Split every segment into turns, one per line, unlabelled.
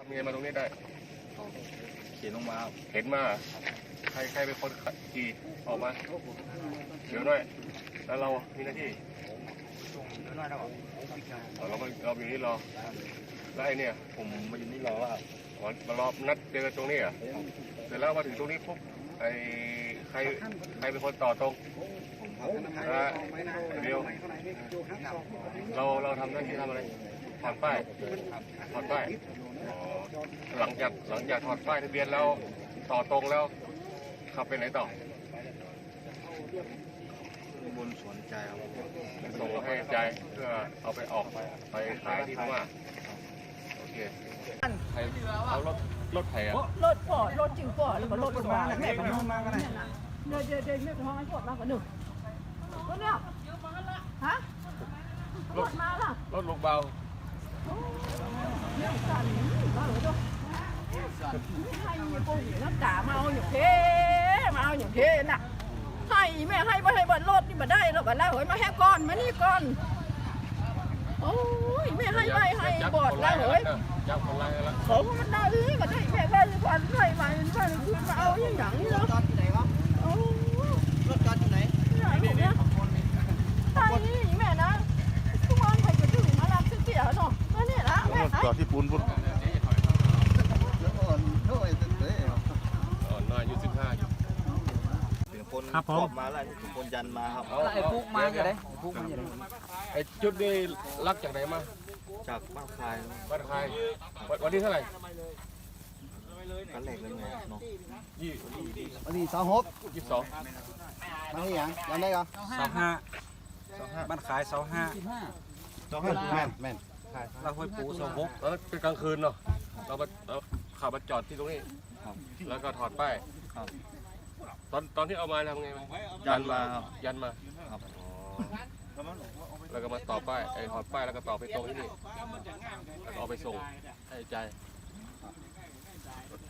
ทำไงมาตรงนี้ได้
เขียนลงมา
เห็นมาใครเป็นคนขี่ออกมาเดี๋ยวหน่อยแล้วเรามีหน้าที่เราอยู่นี่รอแล้วไอ้เนี่ย
ผมมาอยู่นี่รอว่
ามารอนัดเจอกันตรงนี้อ่ะเสร็จแล้วมาถึงตรงนี้ปุ๊บไอ้ใครเป็นคนต่อตรงเดียวเราทำหน้าที่ทำอะไรถอดป้ายหลังจากถอดป้ายทะเบียนแล้วต่อตรงแล้วขับไปไหนต่อบ
นสวนใจครับ
ส่งให้ใจเพื่อเอาไปออกไปขายที่พม่าโอเคใครเอารถไถอ่ะ
รถจริงป่อแล้วก็รถมาแม่ของน้องมากันนะเดี๋ยวแม่ของน้องไอ้พวกมากันหนึ่งรถเนี่ยฮะรถมาล่ะ
รถลูกเบา
เนี่ยสั่นมาเหรอจ๊ะให้ปุ่งน้ำตามาเอาอย่างเท่น่ะให้แม่ให้มาให้บัตรรถนี่มาได้แล้วกันแล้วเฮ้ยมาแค่ก้อนมานี่ก้อนโอ้ยแม่ให้บอดแล้วเฮ้ย
จับคนไรแล้ว
เขามันได้ก็ได้แม่ได้ควันได้มาคืนมาเอาอย่างนี้เนาะ
จอดที่ไหนวะรถจอดที่ไหน
นี่เนี่ยใช่แม่นะทุกวันใครจะถึงมารับเสียเนาะนั่นนี่ละแม่
จอดที่ปูนพุ่นน้อยอายุ15อยู่
ถึงคนขอบมาแล้วถึงคนยันมาครับ
ไอ้ปุ๊กมาอย่างไรปุ๊กมาอย่างไร
ไอ้จุดนี้ลักจากไหนมา
จากบ้านคาย
วันที่เท่าไหร่
กันแหลกเลยไงเนาะ
วันที่22
มา
ที่ยังยังได้เหรอ25บ้านขาย25
แม่น
เราห้วยปู26
แล้วเป็นกลางคืนเนาะเราขับมาจอดที่ตรงนี้แล้วก็ถอดป้ายตอนที่เอามาทำไง
ยันมา
แล้วก็มาต่อป้ายถอดป้ายแล้วก็ต่อไปตรงที่นี่แล้วก็เอาไปส่งให้ใจโอเค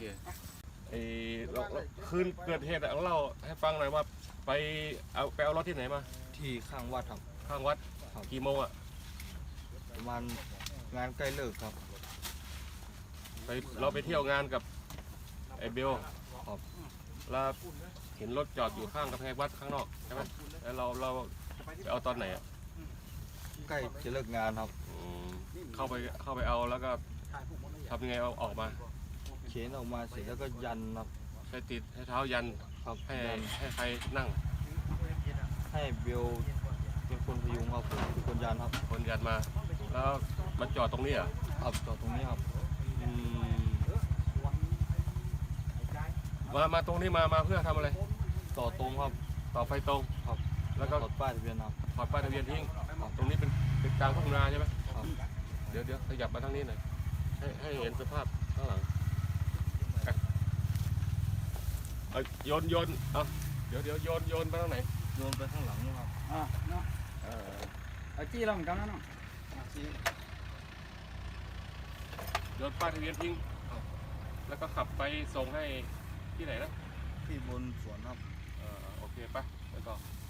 คืนเกิดเหตุเล่าให้ฟังหน่อยว่าไปเอารถที่ไหนมา
ที่ข้างวัดครับ
ข้างวัดกี่โมงอ่ะ
ประมาณงานใกล้เลิกครับ
เราไปเที่ยวงานกับไอ้เบลแล้วเห็นรถจอดอยู่ข้างกำแพงวัดข้างนอกใช่ไหมแล้วเราไปเอาตอนไหนอ่ะ
ใกล้จะเลิกงานครับ
เข้าไปเอาแล้วก็ทำยังไงเอาออกมา
เข็นออกมาเสร็จแล้วก็ยันครับ
ใช้ติดให้เท้ายัน
ครับ
ให้ใครนั่ง
ให้เบลเป็นคนพยุงครับผมเป็นคนยันครับ
คนยันมาแล้วมันจอดตรงนี้อ่ะ
ครับจอดตรงนี้ครับ
มาตรงนี้มาเพื่อทำอะไร
ต่อตรงครับ
ต่อไฟตรง
ครับ
แล้วก็
ถอดป้ายทะเบียนครับ
ถอดป้ายทะเบียนทิ้งตรงนี้เป็นกลางทุ่งนาใช่ไหมครับเดี๋ยวขยับมาทางนี้หน่อยให้เห็นสภาพข้างหลังโยนเอาเดี๋ยวโยนไปทางไหน
โยนไปข้างหลังนะครับ
เนาะจี้เราเหมือนกันนะเนาะ
โยนป้ายทะเบียนทิ้งแล้วก็ขับไปส่งให้ที่ไหนนะ
ที่บนสวนครับ
โอเคไปแล้วก็